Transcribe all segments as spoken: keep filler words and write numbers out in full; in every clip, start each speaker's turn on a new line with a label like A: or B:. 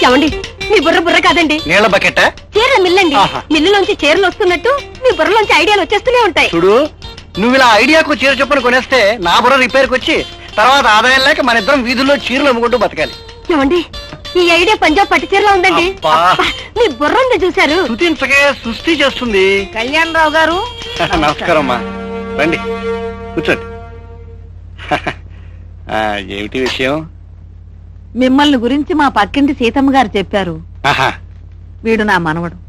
A: ఏమండి మీ బుర్ర బుర్ర కాదండి,
B: నీళ్ళ బకెట్.
A: చీరల మిల్లండి. మిల్లులోంచి చీరలు వస్తున్నట్టు మీ బుర్రలోంచి ఐడియాలు వచ్చేస్తూనే ఉంటాయి.
B: చూడు, నువ్వు ఇలా ఐడియాకు చీర చొప్పున కొనేస్తే నా బుర్ర రిపేర్కి వచ్చి తర్వాత ఆదాయం లేక మన ఇద్దరం వీధుల్లో చీరలు అమ్ముకుంటూ బతకాలి.
A: ఏమండి ఈ ఐడియా పంజాబ్ పట్టు చీరలో ఉందండి. మీ బుర్ర ఉంది చూశారు.
B: సుతించకే సృష్టి చేస్తుంది.
A: కళ్యాణ్ రావు గారు
B: నమస్కారం అమ్మా, రండి కూర్చోండి. ఏమిటి విషయం?
A: మిమ్మల్ని గురించి మా పక్కింటి సీతమ్మ గారు చెప్పారు. వీడు నా మనవడు.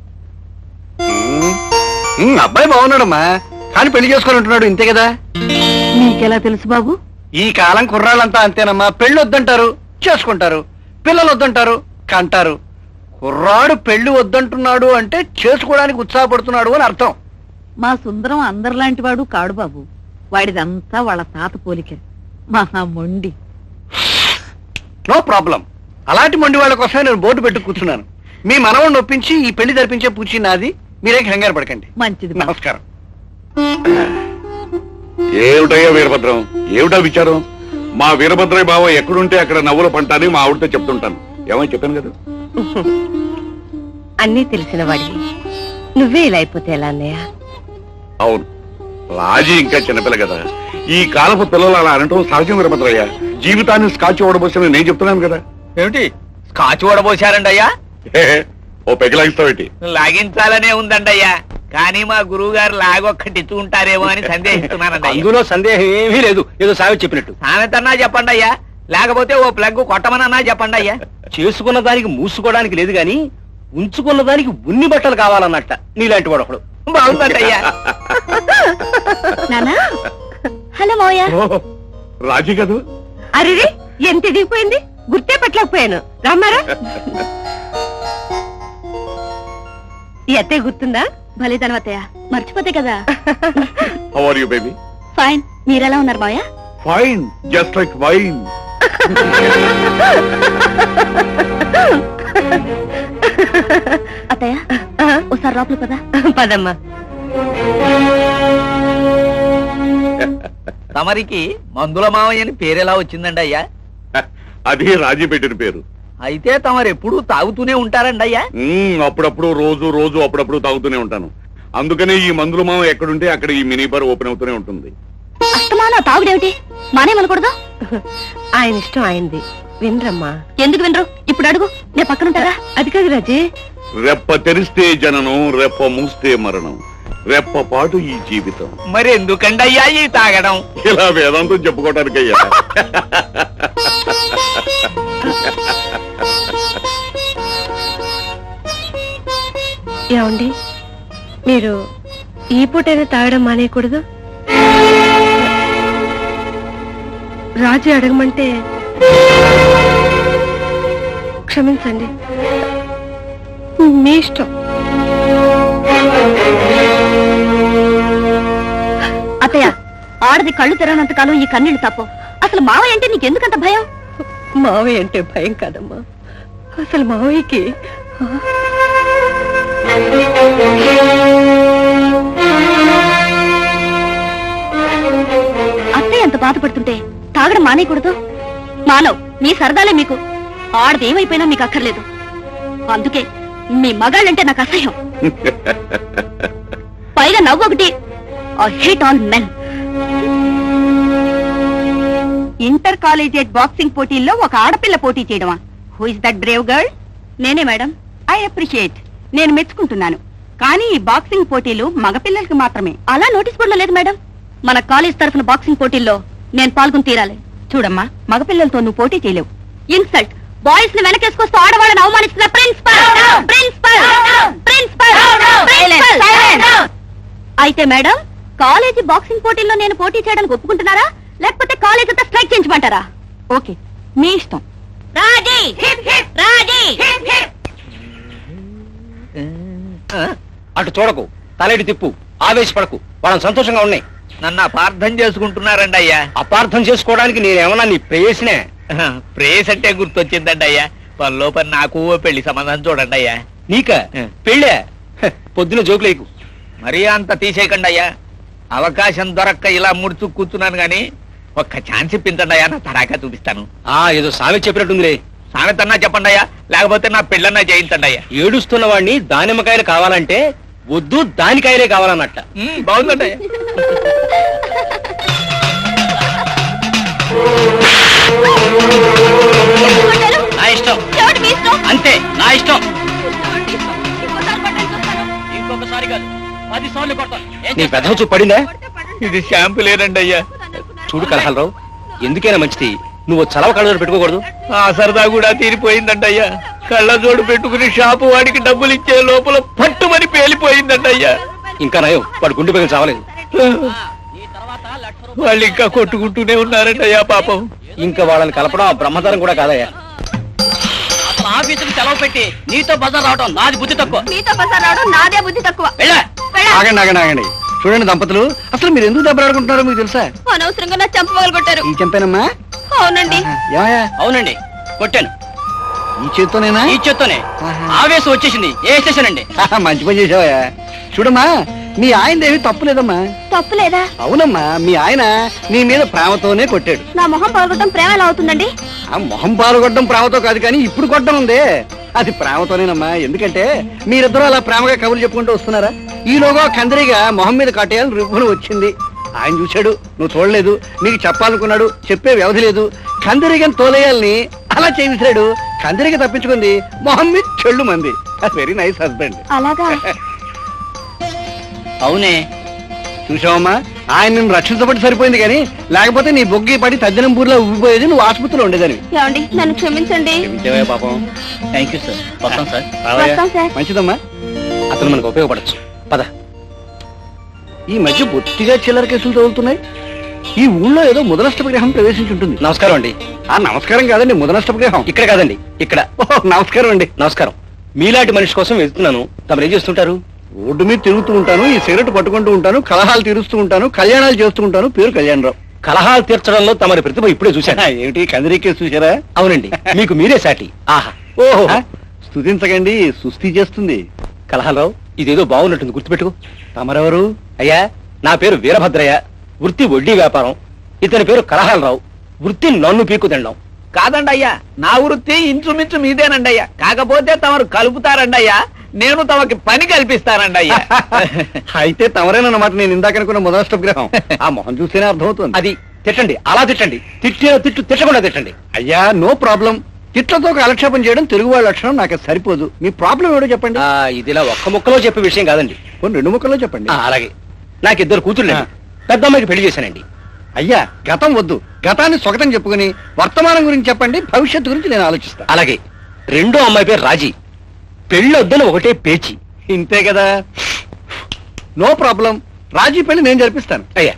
B: అబ్బాయి బాగున్నాడమ్మా, కానీ పెళ్లి చేసుకొని ఉంటున్నాడు, ఇంతే కదా.
A: మీకెలా తెలుసు బాబు?
B: ఈ కాలం కుర్రాళ్ళంతా అంతేనమ్మా, పెళ్లి వద్దంటారు చేసుకుంటారు, పిల్లలు వద్దంటారు కంటారు. కుర్రాడు పెళ్లి వద్దంటున్నాడు అంటే చేసుకోవడానికి ఉత్సాహపడుతున్నాడు అని అర్థం.
A: మా సుందరం అందరిలాంటి వాడు కాడు బాబు. వాడిదంతా వాళ్ళ తాత పోలిక. మహా మొండి.
B: నో ప్రాబ్లం, అలాంటి మొండి వాళ్ళ కోసమే నేను బోర్డు పెట్టు కూర్చున్నాను. మీ మనవడిని ఒప్పించి ఈ పెళ్లి జరిపించే పూచి నాది, మీరేం కంగారు పడకండి.
A: మంచిది.
B: నమస్కారం.
C: ఏమిటయ్యా వీరభద్రం, ఏమిటా విచారం? మా వీరభద్రయ్య బావ ఎక్కడుంటే అక్కడ నవ్వుల పంట అని మా ఆవిడతో చెప్తుంటాను. ఏమని చెప్పాను కదా.
A: అన్నీ తెలిసిన వాడివి నువ్వే ఇలా అయిపోతే ఎలా అన్నయ్య?
C: అవును, రాజీ ఇంకా చిన్నపిల్ల కదా. ఈ కాలపు పిల్లలు అలా అనటం సహజం వీరభద్రయ్య. జీవితాన్ని స్కాచ్ ఓడబోసిన నేను చెప్తున్నాను కదా.
D: ఏమిటి స్కాచ్ ఓడబోసారండి అయ్యా?
C: ఓ పెగి లాగిస్తావేటి?
D: లాగించాలనే ఉందండి అయ్యా, కానీ మా గురువు గారు లాగొక్కటి ఇచ్చుకుంటారేమో అని సందేహిస్తున్నానండి.
B: అందులో సందేహం ఏమీ లేదు, ఏదో సావి చెప్పినట్టు.
D: సామెతన్నా చెప్పండి అయ్యా, లేకపోతే ఓ ప్లగ్ కొట్టమనన్నా చెప్పండి అయ్యా.
B: చేసుకున్న దానికి మూసుకోవడానికి లేదు గాని ఉంచుకున్న దానికి ఉన్ని బట్టలు కావాలన్నట్ట నీలాంటి వాడు ఒకడు.
D: బాగుందండి అయ్యా.
A: నానా హలో మోయా.
C: రాజీ కదూ?
A: అరే ఎంత దిగిపోయింది, గుర్తే పట్టలేకపోయాను. రమ్మారా? ఈ అత్తయ్య గుర్తుందా? భలేదనం అత్తయ్య, మర్చిపోతే కదా.
C: How are you baby?
A: Fine. మీరెలా ఉన్నారు Maya?
C: Fine, just like wine.
A: అత్తయ్య ఒకసారి లోపల పదా. పదమ్మా.
D: తమరికి మందుల మావయ్య అని పేరెలా వచ్చిందండి అయ్యా?
C: అది రాజీ పెట్టిన పేరు.
D: అయితే తమరు ఎప్పుడు తాగుతూనే ఉంటారండి అయ్యా?
C: మ్మ్, అప్పుడప్పుడు రోజు రోజు అప్పుడప్పుడు తాగుతూనే ఉంటాను. అందుకనే ఈ మందుల మామ ఎక్కడుంటే అక్కడ ఈ మినీ బార్ ఓపెన్ అవుతూనే ఉంటుంది.
A: అస్తమానం తాగుడేమిటి? మానేమనకూడదు. ఆయన ఇష్టం ఆయనది, వినరమ్మా. ఎందుకు వినరు? ఇప్పుడు అడుగు, నేను పక్కన ఉంటారా? అది కాదు రాజీ.
C: రెప్ప తెరిస్తే జననం, రెప్ప మూస్తే మరణం, రెప్ప పాటు ఈ జీవితం.
D: మరి ఎందుకండి అయ్యా ఈ తాగడం?
C: ఇలా వేదాంతం చెప్పుకోవటానికయ్యా.
A: ఏమండి, మీరు ఈ పూటైనా తాగడం మానేయకూడదు. రాజు అడగమంటే క్షమించండి, మీ ఇష్టం. అత్తయ్య, ఆడది కళ్ళు తెరవనంత కాలం ఈ కన్నీళ్లు తప్పు. అసలు మావయ్య అంటే నీకెందుకంత భయం? మావయ్య అంటే భయం కాదమ్మా, అసలు మావయ్యకి అత్తయ్య ఎంత బాధపడుతుంటే తాగడం మానేయకూడదు. మానవ్, మీ సరదాలే మీకు. ఆడది ఏమైపోయినా మీకు అక్కర్లేదు. అందుకే మీ మగాళ్ళంటే నాకు అసహ్యం. పైగా నవ్వు ఒకటి. I hate all men. Inter collegiate boxing పోటీల్లో ఒక ఆడపిల్ల పోటీ చేయడమా? Who is that brave girl? నేనే మేడం. I appreciate. నేను మెచ్చుకుంటున్నాను. కానీ ఈ బాక్సింగ్ పోటీలు మగపిల్లలకి మాత్రమే. అలా నోటీస్ బోర్డులో లేదు మేడం. మన కాలేజ్ తరఫున బాక్సింగ్ పోటీల్లో నేను పాల్గొని తీరాలి. చూడమ్మా, మగపిల్లలతో నువ్వు పోటీ చేయలేవు. ఇన్సల్ట్. బాయ్స్ ని వెనకేసుకొస్తూ ఆడవాళ్ళని అవమానిస్తున్న ప్రిన్సిపల్. ప్రిన్సిపల్ ప్రిన్సిపల్ అయితే మేడం, కాలేజీ బాక్సింగ్ పోటీల్లో నేను పోటీ చేయడానికి ఒప్పుకుంటున్నారా, లేకపోతే కాలేజ్ అంతా స్ట్రైక్ చేయించమంటారా? ఓకే, మీ ఇష్టం. రాజీ రాజీ.
B: అటు చూడకు, తలెడి తిప్పు, ఆవేశపడకు. వాళ్ళని సంతోషంగా ఉన్నాయి.
D: నన్ను అపార్థం చేసుకుంటున్నారండి అయ్యా.
B: అపార్థం చేసుకోవడానికి నేనేమన్నా నీ ప్రేయసినే?
D: ప్రేస్ అంటే గుర్తొచ్చిందండి అయ్యా. పనిలో పని నాకు పెళ్లి సంబంధం చూడండి అయ్యా.
B: నీక పెళ్ళే? పొద్దున జోకులేకు.
D: మరీ అంత తీసేయకండి అయ్యా. అవకాశం దొరక్క ఇలా ముడుచు కూర్చున్నాను గాని ఒక్క ఛాన్స్ ఇప్పించండి అయ్యా, నా తడాకా చూపిస్తాను.
B: ఆ ఏదో సామెత చెప్పినట్టుందిలే.
D: సామెతన్నా చెప్పండి అయ్యా, లేకపోతే నా పెళ్ళన్నా చేయించండి అయ్యా.
E: ఏడుస్తున్న వాడిని దానిమ్మకాయలు కావాలంటే వద్దు దానికాయలే కావాలన్నట్ట.
D: ఉమ్, బాగుందండి అయ్యా.
E: నా ఇష్టం అంతే, నా ఇష్టం. ఇంకొకసారి కాదు పది సార్లు కొడతాను. నీ పెద్ద చూపు పడిందా?
D: ఇది షాంపూ లేదండి అయ్యా.
E: చూడు కలహాలరావు, ఎందుకైనా మంచిది నువ్వు చలవ కళ్ళజోడు పెట్టుకోకూడదు.
D: ఆ సరదా కూడా తీరిపోయిందండి అయ్యా. కళ్ళజోడు పెట్టుకుని షాపు వాడికి డబ్బులు ఇచ్చే లోపల పట్టుమని పేలిపోయిందండి అయ్యా.
E: ఇంకా నయం వాడు గుండె పగిలి చావలేదు.
D: వాళ్ళు ఇంకా కొట్టుకుంటూనే ఉన్నారండి అయ్యా పాపం.
E: ఇంకా వాళ్ళని కలపడం ఆ బ్రహ్మచారం కూడా కాదయ్యా. ఆఫీసుకి సెలవు పెట్టి నీతో బజార్ రావడం నాది బుద్ధి తక్కువ.
A: మీతో బజార్ రావడం నాదే బుద్ధి తక్కువ.
E: వెళ్ళా.
B: ఆగండి ఆగండి ఆగండి చూడండి దంపతులు, అసలు మీరు ఎందుకు దెబ్బలాడుకుంటున్నారో మీకు తెలుసా?
A: అనవసరంగా నా చంప పగలు కొట్టారు.
B: ఈ చంపేనమ్మా?
A: అవునండి.
B: ఏమయ్యా?
E: అవునండి కొట్టాను.
B: ఈ చేత్తోనేనా?
E: ఈ చేత్తోనే. ఆవేశం వచ్చేసింది వేసేసానండి.
B: మంచి పని చేసావయ్యా. చూడమ్మా, మీ ఆయనదేమి తప్పు లేదమ్మా.
A: తప్పు లేదా?
B: అవునమ్మా, మీ ఆయన నీ మీద ప్రేమతోనే కొట్టాడు.
A: నా మొహం పగలగొట్టడం ప్రేమ ఎలా అవుతుందండి?
B: ఆ మొహం పాల్గొట్టడం ప్రేమతో కాదు, కానీ ఇప్పుడు కొట్టడం ఉందే అది ప్రేమతోనేనమ్మా. ఎందుకంటే మీరిద్దరూ అలా ప్రేమగా కబుర్లు చెప్పుకుంటూ వస్తున్నారా, ఈలోగా కందిరిగా మొహం మీద కట్టేయాలని రివ్వును వచ్చింది. ఆయన చూశాడు, నువ్వు చూడలేదు, నీకు చెప్పాలనుకున్నాడు, చెప్పే వ్యవధి లేదు. కందిరిగని తోలేయాలని అలా చేయించాడు. కందిరిగా తప్పించుకుంది, మొహం మీద చెళ్ళు మంది. Very nice husband.
A: అలాగా?
E: అవునే.
B: చూసావమ్మా, ఆయన నిన్ను రక్షించబట్టి సరిపోయింది, కానీ లేకపోతే నీ బొగ్గి పడి తద్దినంపూర్లో ఉబ్బిపోయేది, నువ్వు ఆసుపత్రిలో ఉండేదని.
A: ఏమండి, నన్ను క్షమించండి.
B: క్షమించావయ్యా పాపం.
E: Thank you sir. వస్తాం సార్.
B: రావయ్యా.
A: వస్తాం సార్.
B: మంచిదమ్మా.
E: అతను మనకు ఉపయోగపడచ్చు. పద.
B: ఈ మధ్య బొత్తిగా చిల్లర కేసులు తగులుతున్నాయి. ఈ ఊళ్ళో ఏదో ముదనష్ట విగ్రహం ప్రవేశించి ఉంటుంది.
E: నమస్కారం అండి.
B: ఆ నమస్కారం కాదండి, ముదనష్ట విగ్రహం.
E: ఇక్కడ కాదండి, ఇక్కడ.
B: ఓహో, నమస్కారం అండి.
E: నమస్కారం. మీలాంటి మనిషి కోసం వెళ్తున్నాను. తమరు ఏం చేస్తుంటారు?
B: రోడ్డు మీద తిరుగుతూ ఉంటాను, ఈ సిగరెట్ పట్టుకుంటూ ఉంటాను, కలహాలు తీరుస్తూ ఉంటాను, కళ్యాణాలు చేస్తూ ఉంటాను. పేరు కళ్యాణరావు.
E: కలహాలు తీర్చడంలో తమరి ప్రతిభ ఇప్పుడే చూశాను.
B: ఆ, ఏమిటి కందిరీ కేసు చూసారా?
E: అవునండి, మీకు మీరే సాటి. ఆహా.
B: ఓహో, స్తుతించకండి, సుస్థి చేస్తుంది.
E: కలహాలరావు, ఇదేదో బాగున్నట్టుంది, గుర్తుపెట్టుకో.
B: తమరెవరు?
E: అయ్యా, నా పేరు వీరభద్రయ్య, వృత్తి వడ్డీ వ్యాపారం. ఇతని పేరు కలహాలరావు, వృత్తి నన్ను పీకు తినడం.
D: కాదండి అయ్యా, నా వృత్తి ఇంచుమించు మీదేనండి అయ్యా. కాకపోతే తమరు కలుపుతారండి అయ్యా, నేను తమకి పని కల్పిస్తానండి అయ్యా.
B: అయితే తమరేనన్నమాట నేను ఇందాక అనుకున్న ముదనష్ట విగ్రహం. ఆ మొహం చూస్తేనే అర్థమవుతుంది.
E: అది తిట్టండి, అలా తిట్టండి. తిట్టిన తిట్టు తిట్టకుండా తిట్టండి.
B: అయ్యా, నో ప్రాబ్లం. తిట్లతో కాలక్షేపం చేయడం తెలుగు వాళ్ళ లక్షణం, నాకు అది సరిపోదు. మీ ప్రాబ్లం ఏడో చెప్పండి.
E: ఆ, ఇది ఇలా ఒక్క ముక్కలో చెప్పే విషయం కాదండి.
B: కొన్ని రెండు ముక్కల్లో చెప్పండి.
E: ఆ, అలాగే. నాకు ఇద్దరు కూతుర్లు. పెద్ద అమ్మాయికి పెళ్లి చేశానండి.
B: అయ్యా, గతం వద్దు, గతాన్ని స్వగతం చెప్పుకుని వర్తమానం గురించి చెప్పండి, భవిష్యత్తు గురించి నేను ఆలోచిస్తా.
E: అలాగే. రెండో అమ్మాయి పేరు రాజీ, పెళ్ళొద్దని ఒకటే పేచి.
B: ఇంతే కదా, నో ప్రాబ్లం. రాజీ పెళ్లి నేను జరిపిస్తాను.
E: అయ్యా,